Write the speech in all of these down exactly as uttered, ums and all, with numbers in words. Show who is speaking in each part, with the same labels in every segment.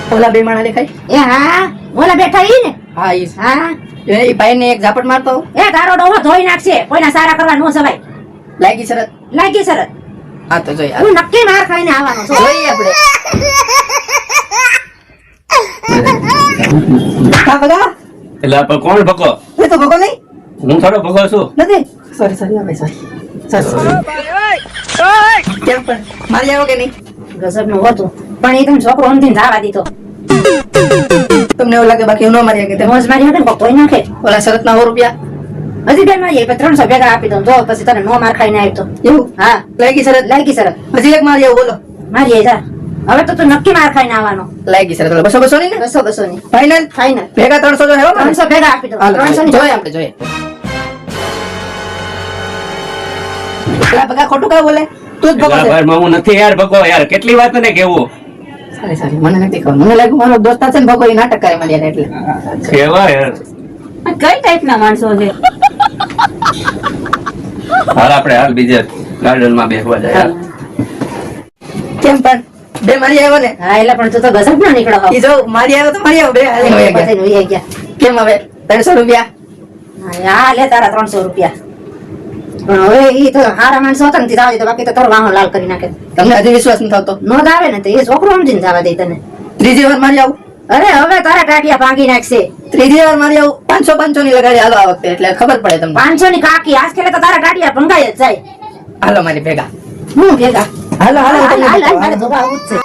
Speaker 1: ઓલા બે માણા દેખાય?
Speaker 2: એ હા ઓલા બેઠા ઈ ને.
Speaker 1: હા ઈ
Speaker 2: હા
Speaker 1: એ ભાઈ ને એક ઝાપટ મારતો.
Speaker 2: એ તારો ડોહો ધોઈ નાખશે, કોઈના સારા કરવા નો સવાય.
Speaker 1: લાગી શરત?
Speaker 2: લાગી શરત.
Speaker 1: હા તો જોઈએ
Speaker 2: હું નક્કી માર ખાઈને આવવાનો છું.
Speaker 1: જોઈએ આપણે. હા ભગા.
Speaker 3: એટલે પણ કોણ ભકો?
Speaker 1: એ તો ભગો નહીં.
Speaker 3: હું થોડો ભકો છું.
Speaker 1: નથી. સોરી સોરી ભાઈ સોરી. સોરી. કેમ પણ મારી આવો કે નહીં?
Speaker 2: ગજબ નું હતું પણ એ તમે છોકરો અંતિમ જવા દીધો.
Speaker 1: તમને એવું લાગે બાકી હું ન મારી કે
Speaker 2: મોજ મારી હતી ને કોક ધોઈ નાખે.
Speaker 1: ઓલા શરત ના સો રૂપિયા
Speaker 2: હજી બેન મારી ત્રણસો ભેગા આપી દઉં જો પછી તને નો માર ખાઈને આવી તો.
Speaker 1: એવું?
Speaker 2: હા
Speaker 1: લાગી શરત?
Speaker 2: લાગી શરત.
Speaker 1: હજી એક મારી આવો બોલો.
Speaker 2: મારી આઈ જા. હવે તો તું નક્કી માર ખાઈને આવવાનો.
Speaker 1: લાગી શરત. બસો બસો ની ને?
Speaker 2: બસો બસો ની
Speaker 1: ફાઇનલ?
Speaker 2: ફાઇનલ.
Speaker 1: ભેગા ત્રણસો જો હેવો મારે?
Speaker 2: ત્રણસો ભેગા આપી દઉં.
Speaker 1: હાલો,
Speaker 2: ત્રણસો ની
Speaker 1: જોઈએ આપણે જોઈએ. પેલા ભગા ખોટું કાં બોલે? તું જ ભગો છે.
Speaker 3: એટલે ભાઈ હું નથી યાર ભકો યાર, કેટલી વાત તને કેવું?
Speaker 1: સારી સારી મને નથી ખબર. મને લાગ્યું મારો દોસ્તાર છે ને ભગો એ નાટક કરે મારી હારે એટલે.
Speaker 3: કેવા યાર.
Speaker 2: કઈ ટાઈપના માણસો છે?
Speaker 3: હાલ આપણે હાલ બીજે ગાર્ડન માં બેસવા જાય.
Speaker 1: કેમ પણ બે મારી આવ્યો ને?
Speaker 2: હા એટલે પણ તું તો ગજબ ના નીકળો હો.
Speaker 1: ઈ જો મારી આવ્યો તો મારી આવ્યો બે હાલે વયા ગયા.
Speaker 2: બધાને વહી ગયા.
Speaker 1: કેમ હવે ત્રણસો રૂપિયા?
Speaker 2: હા લે તારા ત્રણસો રૂપિયા. પણ હવે ઈ તો હારા માણસો હતા ને તે જવા દે, બાકી તો તારો વાહો લાલ કરી નાખે.
Speaker 1: તમને હજી વિશ્વાસ નથી આવતો?
Speaker 2: નો જ આવે ને તો એ છોકરો સમજીને જવા દે તને.
Speaker 1: ત્રીજી વાર મારી આવું?
Speaker 2: અરે હવે તારા ટાટિયા ભાંગી નાખશે.
Speaker 1: ત્રીજી વાર મારી આવું? પાંચસો પાંચસો ની લગાડી હાલો આ વખતે એટલે ખબર પડે તમને.
Speaker 2: પાંચસો ની કાકી આજ ખેલે તો તારા ટાટિયા ભંગાઈ જ જાય.
Speaker 1: હાલો મારી ભેગા.
Speaker 2: હું ભેગા.
Speaker 1: હાલો હાલો
Speaker 2: હાલ,
Speaker 1: તમને
Speaker 2: હાલ, હાલ,
Speaker 1: બતાવો,
Speaker 2: મારે
Speaker 1: હાલો.
Speaker 2: ધોબા આવું જ છે.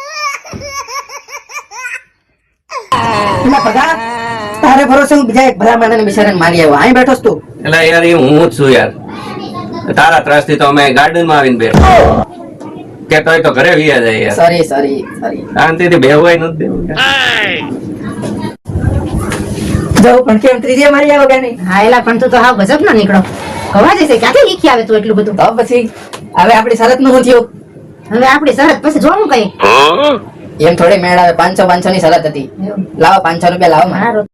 Speaker 1: એલા ભગા તારે ભરોસે હું બીજા એક ભલા માણસને બિચારાને મારી આવ્યો. અહીં બેઠો છું તું.
Speaker 3: એટલે યાર એ હું જ છું યાર. તારા ત્રાસ થી તો અમે ગાર્ડન માં આવીને બેઠા. કે તોય તો ઘરે વિયા જાય યાર.
Speaker 1: Sorry sorry sorry.
Speaker 3: શાંતિથી બેહવાય નથી દેવું યાર.
Speaker 1: જવું પણ કેમ ત્રીજી વાર મારી આવ્યો કે નહીં?
Speaker 2: હા એલા પણ તું તો હાવ ગજબ ના નીકળો. કવા જશે ક્યાંથી લીખી આવે તું એટલું બધું?
Speaker 1: તો પછી હવે આપણી શરત નું શું થયું?
Speaker 2: હવે આપડી શરત પછી જોવું કઈ.
Speaker 1: એમ થોડી મેળ આવે. પાંચસો પાંચસો ની શરત હતી. લાવો પાંચસો રૂપિયા લાવો મારે.
Speaker 2: મારો